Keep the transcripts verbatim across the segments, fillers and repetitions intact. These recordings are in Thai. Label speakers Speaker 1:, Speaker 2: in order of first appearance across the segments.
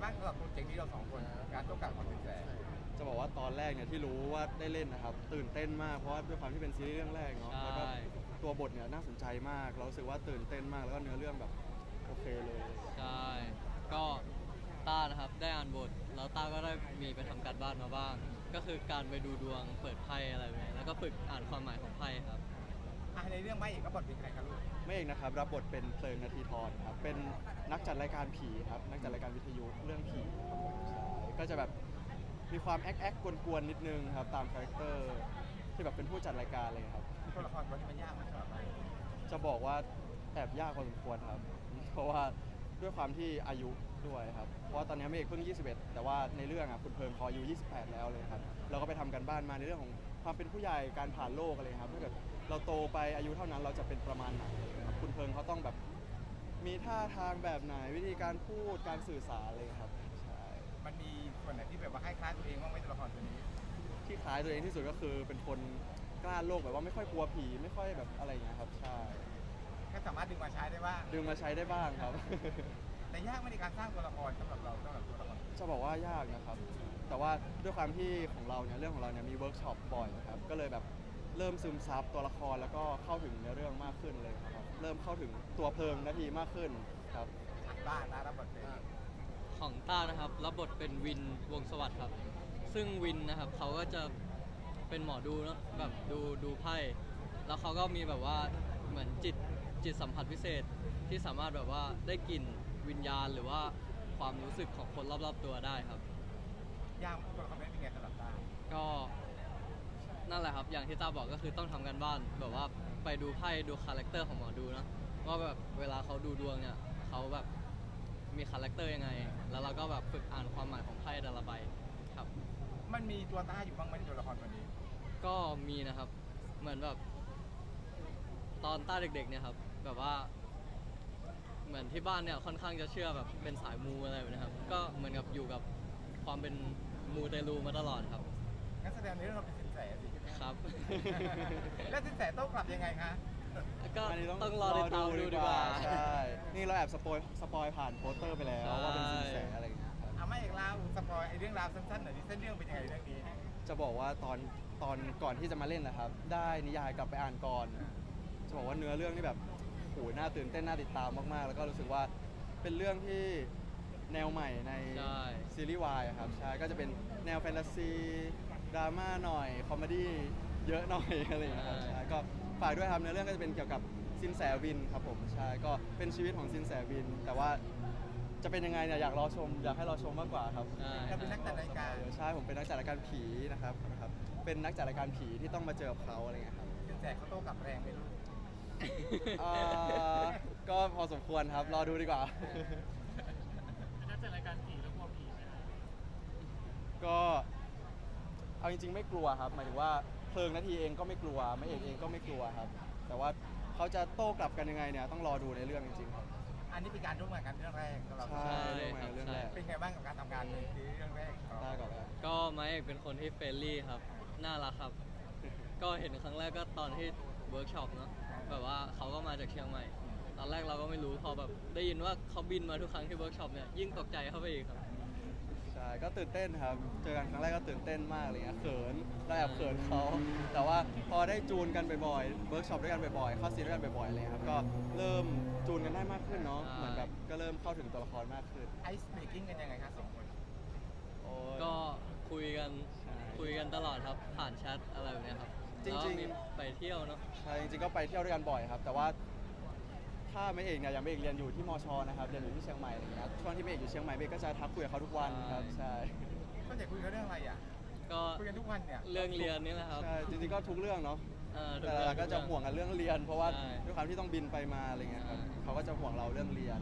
Speaker 1: บ้างสำหรับโปรเจกต์นี้เราสองคนการต้องการความเป็นแสน
Speaker 2: จะบอกว่าตอนแรกเนี่ยที่รู้ว่าได้เล่นนะครับตื่นเต้นมากเพราะว่าด้วยความที่เป็นซีรีส์เรื่องแรกเนาะแล้วก็ตัวบทเนี่ยน่าสนใจมากเรารู้สึกว่าตื่นเต้นมากแล้วก็เนื้อเรื่องแบบโอเคเลย
Speaker 3: ใช่ก็ต้านะครับได้อ่านบทแล้วต้าก็ได้มีไปทำการบ้านมาบ้าง ก็คือการไปดูดวงเปิดไพ่อะไรแบบนี้แล้วก็ฝึกอ่านความหมายของไพ่ครับ
Speaker 1: อ่ะในเรื่องไม่เอกก็บทเป็นใครครับลูก
Speaker 2: ไม่เองนะครับรับบทเป็นเพลิงนาทีทรครับเป็นนักจัดรายการผีครับนักจัดรายการวิทยุเรื่องผีครับผมใช่ก็จะแบบมีความแอคแอคกวนๆนิดนึงครับตามคาแรคเตอร์ที่แบบเป็นผู้จัดรายการเลยครับ
Speaker 1: ตัวละครตัวนี้มันยากไหมสำหรับเรา
Speaker 2: จะบอกว่าแอบยากพอสมควรครับเพราะว่าด้วยความที่อายุด้วยครับเพราะว่าตอนนี้เมฆเพิ่งยี่สิบเอ็ดแต่ว่าในเรื่องอ่ะคุณเพลิงเขาอายุยี่สิบแปดแล้วเลยครับเราก็ไปทำกันบ้านมาในเรื่องของความเป็นผู้ใหญ่การผ่านโลกอะไรครับถ้าเกิดเราโตไปอายุเท่านั้นเราจะเป็นประมาณไหนครับคุณเพลิงเขาต้องแบบมีท่าทางแบบไหนวิธีการพูดการสื่อสารเลยครับใช่
Speaker 1: มันมีส่วนไหนที่แบบว่าคล้ายๆตัวเองบ้างไหมตัวละครตัวนี้
Speaker 2: ที่คล้ายตัวเองที่สุดก็คือเป็นคนกล้าโลกแบบว่าไม่ค่อยกลัวผีไม่ค่อยแบบอะไรอย่างเงี้ยครับใช่
Speaker 1: ก็สามารถดึงมาใช้ได้บ้าง
Speaker 2: ดึงมาใช้ได้บ้างครับ
Speaker 1: แต่ยากไหมในการสร้างตัวละครสำหรับเราสำหรับตัวละคร
Speaker 2: จะบอกว่ายากนะครับแต่ว่าด้วยความที่ของเราเนี่ยเรื่องของเราเนี่ยมีเวิร์กช็อปบ่อยครับก็เลยแบบเริ่มซึมซับตัวละครแล้วก็เข้าถึงในเรื่องมากขึ้นเลยครับเริ่มเข้าถึงตัวเพลิงนาทีมากขึ้นครับ
Speaker 1: บ้าตารับบทเป็น
Speaker 3: ของต้านะครับรับบทเป็นวินวงสวัสดิ์ครับซึ่งวินนะครับเขาก็จะเป็นหมอดูเนาะแบบดูดูไพ่แล้วเขาก็มีแบบว่าเหมือนจิตจิตสัมผัสพิเศษที่สามารถแบบว่าได้กลิ่นวิญญาณหรือว่าความรู้สึกของคนรอบๆตัวได้ครับ
Speaker 1: ยากตัวละครเป็นไงสำหรับตา
Speaker 3: ก็นั่นแหละครับอย่างที่ต้าบอกก็คือต้องทำกันบ้านแบบว่าไปดูไพ่ดูคาแรคเตอร์ของหมอดูนะว่าแบบเวลาเขาดูดวงเนี่ยเขาแบบมีคาแรคเตอร์ยังไงแล้วเราก็แบบฝึกอ่านความหมายของไพ่แต่ละใบครับ
Speaker 1: มันมีตัวตาอยู่บ้างไหมในตัวละครตัวนี้
Speaker 3: ก็มีนะครับเหมือนแบบตอนต้าเด็กๆเนี่ยครับแบบว่าเหมือนที่บ้านเนี่ยค่อนข้างจะเชื่อแบบเป็นสายมูอะไรแบบนี้ครับก็เหมือนกับอยู่กับความเป็นมูเตลูมาตลอดครับ
Speaker 1: งั้นแสดงในเรื่องเราเป็นสินแสสิ
Speaker 3: ครับ
Speaker 1: แล้วสินแสต้องกลับยังไงคะ
Speaker 3: ก็ต้องรอติดตามดูดีกว่า
Speaker 2: ใช่นี่เราแอบสปอยสปอยผ่านโปสเตอร์ไปแล้วว่าเป็นสินแสอะไรอย่างเงี้ยครับ
Speaker 1: เอาไม่อีกแล้วสปอยไอเรื่องราวสั้นๆหน่อยที่เส้นเรื่องเป็นยังไงเรื่องนี้
Speaker 2: จะบอกว่าตอนตอนก่อนที่จะมาเล่นนะครับได้นิยายกลับไปอ่านก่อนจะบอกว่าเนื้อเรื่องนี่แบบโหน่าตื่นเต้นน่าติดตามมากๆแล้วก็รู้สึกว่าเป็นเรื่องที่แนวใหม่ในซีรีส์วายครับใช่ก็จะเป็นแนวแฟนตาซีดราม่าหน่อยคอมเมดี้เยอะหน่อยอะไรอย่างเงี้ยครับใช่ก็ฝากด้วยครับเนื้อเรื่องก็จะเป็นเกี่ยวกับซินแสวินครับผมใช่ก็เป็นชีวิตของซินแสวินแต่ว่าจะเป็นยังไงเนี่ยอยากรอชมอยากให้รอชมมากกว่าครับ
Speaker 1: เราเป็นนักจัดรายการ
Speaker 2: ใช่ผมเป็นนักจัดรายการผีนะครับนะครับเป็นนักจัดรายการผีที่ต้องมาเจอกับเขาอะไรเงี้ยครับ
Speaker 1: สินแสเขาโต้กลับแรงไปลูก
Speaker 2: ก็พอสมควรครับรอดูดีกว่า
Speaker 4: เป็นนักจัดรายการผีแล้วกลัวผีไหมครับ
Speaker 2: ก็เอาจริงๆไม่กลัวครับหมายถึงว่าเพลิงนาทีเองก็ไม่กลัวไม่เอกเองก็ไม่กลัวครับแต่ว่าเขาจะโต้กลับกันยังไงเนี่ยต้องรอดูในเรื่องจริงๆครับ
Speaker 1: อันนี้เป็นการร่วมงานกันเรื่องแรกสำหรับ
Speaker 2: ใช่ร่วมงานเรื่องแรก
Speaker 1: เป็นไงบ้างกับการทำงานในเรื่องแรก
Speaker 2: ได้ก่อนเลย
Speaker 3: ก็ไมค์เอกเป็นคนที่เฟรนลี่ครับน่ารักครับก็เห็นครั้งแรกก็ตอนที่เวิร์กช็อปเนาะแบบว่าเขาก็มาจากเชียงใหม่ตอนแรกเราก็ไม่รู้พอแบบได้ยินว่าเขาบินมาทุกครั้งที่เวิร์กช็อปเนี่ยยิ่งตกใจเข้าไปอีกครับ
Speaker 2: ใช่ก็ตื่นเต้นครับเจอกันครั้งแรกก็ตื่นเต้นมากเลยเขินเราแอบเขินเขาแต่ว่าพอได้จูนกันบ่อยๆเวิร์กช็อปด้วยกันบ่อยๆเข้าซีนด้วยกันบ่อยๆเลยครับก็เริ่มจูนกันได้มากขึ้นเนาะเหมือนแบบก็เริ่มเข้าถึงตัวละครมากขึ้น
Speaker 1: ไอซ์เบรกกิ้งกันยังไงครับสองคน
Speaker 3: ก็คุยกันคุยกันตลอดครับผ่านแชทอะไรแบบนี้ครับ
Speaker 2: จริง
Speaker 3: ๆไปเที่ยวเนาะ
Speaker 2: ใช่จริงๆก็ไปเที่ยวด้วยกันบ่อยครับแต่ว่าถ้าไม่เอกเนี่ยยังไม่เอกเรียนอยู่ที่มชนะครับเรียนอยู่ที่เชียงใหม่อะไรอย่างเงี้ยช่วงที่ไม่เอกอยู่เชียงใหม่เอกก็จะทักคุยกับเขาทุกวันครับใช่
Speaker 1: ก็จะคุยกันเรื่องอะไรอ่ะ
Speaker 3: ก็
Speaker 1: คุยกันทุกวันเนี่ย
Speaker 3: เรื่องเรียนนี่แหละครับ
Speaker 2: ใช่จริงๆก็ทุกเรื่องเนาะแต่เราก็จะห่วงกันเรื่องเรียนเพราะว่าด้วยความที่ต้องบินไปมาอะไรเงี้ยครับเขาก็จะห่วงเราเรื่องเรียน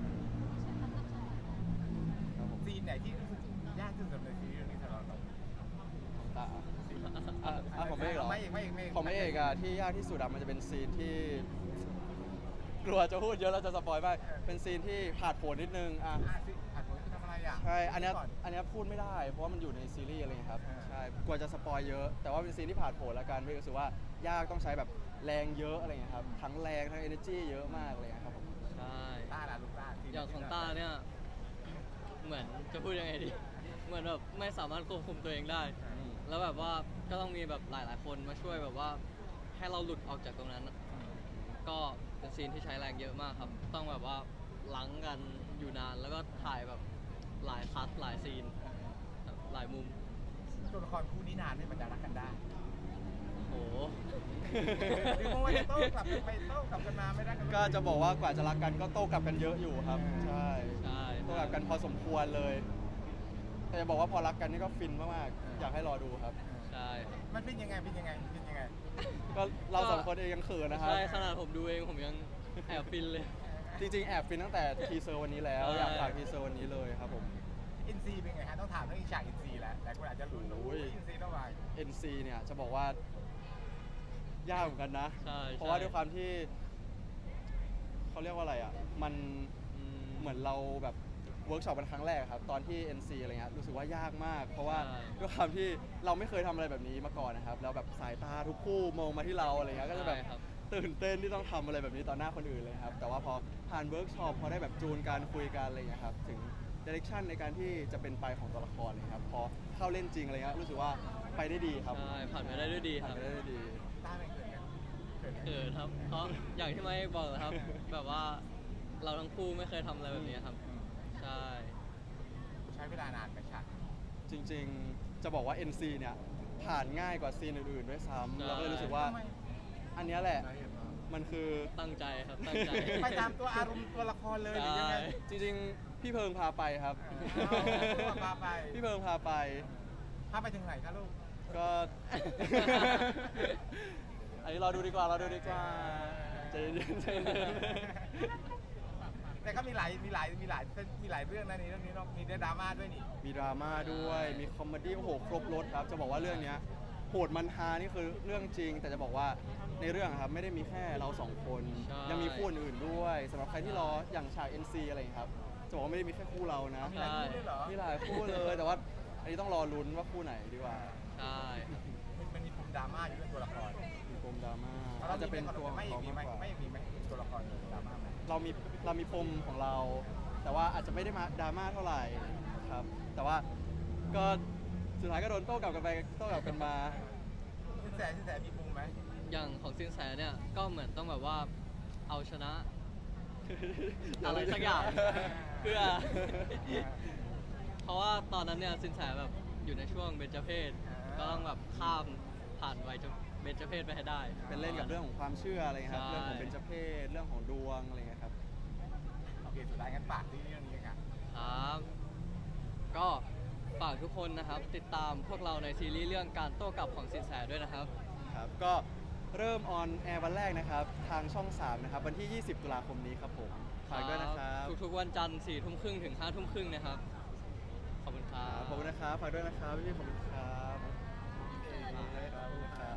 Speaker 1: ซีนไหนที่รู้สึกยากที่สุดในซีรีส์เรื่องนี้สำหรับเรา
Speaker 2: ของตาอ่ะของไม่เอกเหรอของไม่เอกอะที่ยากที่สุดอะมันจะเป็นซีนที่กลัวจะพูดเยอะแล้วจะสปอยไปเป็นซีนที่ผ่าดโผนนิดนึงอ่ะ
Speaker 1: ผ่านผลทำอะไรอ่ะ
Speaker 2: ใช่อันนี้อันนี้พูดไม่ได้เพราะว่ามันอยู่ในซีรีส์อะไรครับใช่กลัวจะสปอยเยอะแต่ว่าเป็นซีนที่ผ่าดโผนแล้วกันไม่รู้สึกว่ายากต้องใช้แบบแรงเยอะอะไรเงี้ยครับทั้งแรงทั้ง energy เยอะมากเลยครับผม
Speaker 3: ใช่
Speaker 1: ต้าล่ะลูกต้า
Speaker 3: อย่างของต้าเนี่ยเหมือนจะพูดยังไงดี เหมือนแบบไม่สามารถควบคุมตัวเองได้
Speaker 2: อืม
Speaker 3: แล้วแบบว่าก็ต้องมีแบบหลาย ๆ คนมาช่วยแบบว่าให้เราหลุดออกจากตรงนั้น ก็เป็นซีนที่ใช้แรงเยอะมากครับ ต้องแบบว่าล้างกันอยู่นานแล้วก็ถ่ายแบบหลายคัทหลายซีนครับหลายมุม
Speaker 1: ตัวละครคู่นี้นานที่มันจะรักกันได้
Speaker 3: โอ้โห
Speaker 1: หรือว่าจะโต้กลับกันไปโต้กลับกันมาไม่ได้กัน
Speaker 2: ก็จะบอกว่ากว่าจะรักกันก็โต้กลับกันเยอะอยู่ครับ ใช่
Speaker 3: ใช่
Speaker 2: โต้กลับกันพอสมควรเลย แต่จะบอกว่าพอรักกันนี่ก็ฟินมากๆ อยากให้รอดูครับ
Speaker 3: ใช่ครับ
Speaker 1: มันเป็นยังไงเป็นยังไงเป็นยังไง
Speaker 2: ก็เราสองคนเองยังเขินนะครับ
Speaker 3: ใช่ขนาดผมดูเองผมยังแอบฟินเลย
Speaker 2: จริงๆ แอบฟินตั้งแต่ทีเซอร์วันนี้แล้ว
Speaker 3: ใช่
Speaker 2: อยากฝากทีเซอร์วันนี้เลยครับผม
Speaker 1: อินซีเป็นไงฮะต้องถามเรื่องอีฉากอินซีแล้วแต่คนอาจจะลุ้น
Speaker 2: โอ้ย
Speaker 1: อินซีต้องมา
Speaker 2: เอ็น ซี เนี่ยจะบอกว่ายากเหมือนกันนะ
Speaker 3: ใช่
Speaker 2: เพราะว่า
Speaker 3: ใช่
Speaker 2: ด้วยความที่เขาเรียกว่าอะไรอ่ะ มัน
Speaker 3: อืม
Speaker 2: เหมือนเราแบบเวิร์กช็อปเป็นครั้งแรกครับ ตอนที่ เอ็น ซี อะไรเงี้ยรู้สึกว่ายากมาก เพราะว่า
Speaker 3: ใช่
Speaker 2: ด้วยความที่เราไม่เคยทำอะไรแบบนี้มาก่อนนะครับ แล้วแบบสายตาทุกคู่มองมาที่เราอะไรเงี้ยก็จะแบบ
Speaker 3: ใช่ครับ
Speaker 2: ตื่นเต้นที่ต้องทำอะไรแบบนี้ต่อหน้าคนอื่นเลยครับ แต่ว่าพอผ่านเวิร์กช็อปพอได้แบบจูนการคุยกันอะไรเงี้ยครับถึงเดเรคชั่นในการที่จะเป็นไปของตัวละครเลยครับพอเข้าเล่นจริงอะไรเงี้ยรู้สึกว่าไปได้ดีครับ
Speaker 3: ใช่ผ่านไปได้ด้วยดีค
Speaker 2: ผ่าน
Speaker 3: รับ
Speaker 2: ไปได้ด้วยดี
Speaker 1: ตาเป็นเกิดกันเกิดกัน
Speaker 3: เขินครับ เพราะอย่างที่ไม่บอกนะครับ แบบว่าเราทั้งคู่ไม่เคยทำอะไรแบบนี้ครับ ใช่
Speaker 1: ใช้เวลานานไหมฉาก
Speaker 2: จริงๆ จะบอกว่า เอ็น ซี เนี่ยผ่านง่ายกว่าซีนอื่นๆด้วยซ้ำ
Speaker 3: ใช่
Speaker 2: เราก็เลยรู้สึกว่า
Speaker 1: ทำไม
Speaker 2: อันเนี้ยแหละมันคือ
Speaker 3: ตั้งใจครับ ตั้งใจ
Speaker 1: ไปตามตัวอารมณ์ตัวละครเลยหรือยังไง
Speaker 3: ใช่
Speaker 2: จริงๆ พี่เพิงพาไปครับ
Speaker 1: เอาพาไป
Speaker 2: พี่เพิงพาไป
Speaker 1: พาไปถึงไหนคะลูก
Speaker 2: ก็ อันนี้เราดูดีกว่าเราดูดีกว่าใจเย็นๆใจเย็น
Speaker 1: แต่ก็มีหลายมีหลายมีหลายมีหลายเรื่องนะในเรื่องนี้เนาะมีได้ดราม่าด้วยนี่
Speaker 2: มีดราม่าด้วย มีคอมเมดี้โอ้โหครบรถครับ จะบอกว่าเรื่องเนี้ยโหดมันฮานี่คือเรื่องจริง แต่จะบอกว่าในเรื่องอะครับไม่ได้มีแค่เราสองคน
Speaker 3: ใช่
Speaker 2: ยังมีคู่อื่นๆด้วยสำหรับใครที่รออย่างฉาก เอ็น ซี อะไรอย่างเงี้ยครับ จะบอกว่าไม่ได้มีแค่คู่เรานะ
Speaker 1: มีหลายคู่ด้วยเหรอ
Speaker 2: มีหลายคู่เลย แต่ว่าอันนี้ต้องรอลุ้นว่าคู่ไหนดีกว่า
Speaker 3: ใช่ครับ
Speaker 1: มันมันมีปมดราม่าอยู่เรื่องตัวละคร
Speaker 2: มีปมดราม่า
Speaker 1: แล้ว
Speaker 2: อาจจะเป็นตัวของ
Speaker 1: ไม่
Speaker 2: เขา
Speaker 1: มีไหม
Speaker 2: มากกว่า
Speaker 1: ไม่มีไหมตัวละครดราม่าไหม
Speaker 2: เรามีเรามีปมของเรา แต่ว่าอาจจะไม่ได้มาดราม่าเท่าไหร่ครับ แต่ว่าก็สุดท้ายก็โดนโต้กลับกันไปโต้กลับกันมา
Speaker 1: สินแสสินแสมีปมไหม
Speaker 3: อย่างของสินแสเนี่ยก็เหมือนต้องแบบว่าเอาชนะ อะไรสักอย่าง เพื่อ เพราะว่าตอนนั้นเนี่ยสินแสแบบอยู่ในช่วงเบญจเพศก็ต้องแบบข้ามผ่านวัยเบญจเพศไปให้ได้
Speaker 2: เป็นเล่นกับเรื่องของความเชื่ออะไรครับ
Speaker 3: ใช่
Speaker 2: เรื่องของเบญจเพศเรื่องของดวงอะไรเงี้ยครับ
Speaker 1: โอเคสุดท้ายงั้นฝากที่เรื่องนี้ค่ะ
Speaker 3: ครับก็ฝากทุกคนนะครับ ติดตามพวกเราในซีรีส์เรื่องการโต้กลับของสินแสด้วยนะครับ
Speaker 2: ครับ ก็เริ่มออนแอร์วันแรกนะครับ ทางช่อง สาม นะครับ วันที่ ยี่สิบ ตุลาคมนี้ครับผมฝากด้วยนะครับ
Speaker 3: ทุกๆวันจันทร์สี่ทุ่มครึ่งถึงห้าทุ่มครึ่งนะครับ ขอบคุณครั
Speaker 2: ครับ
Speaker 3: บ
Speaker 2: ขอบคุณนะครับฝากด้วยนะครับพี่ๆขอบคุณครับขอบคุณครับ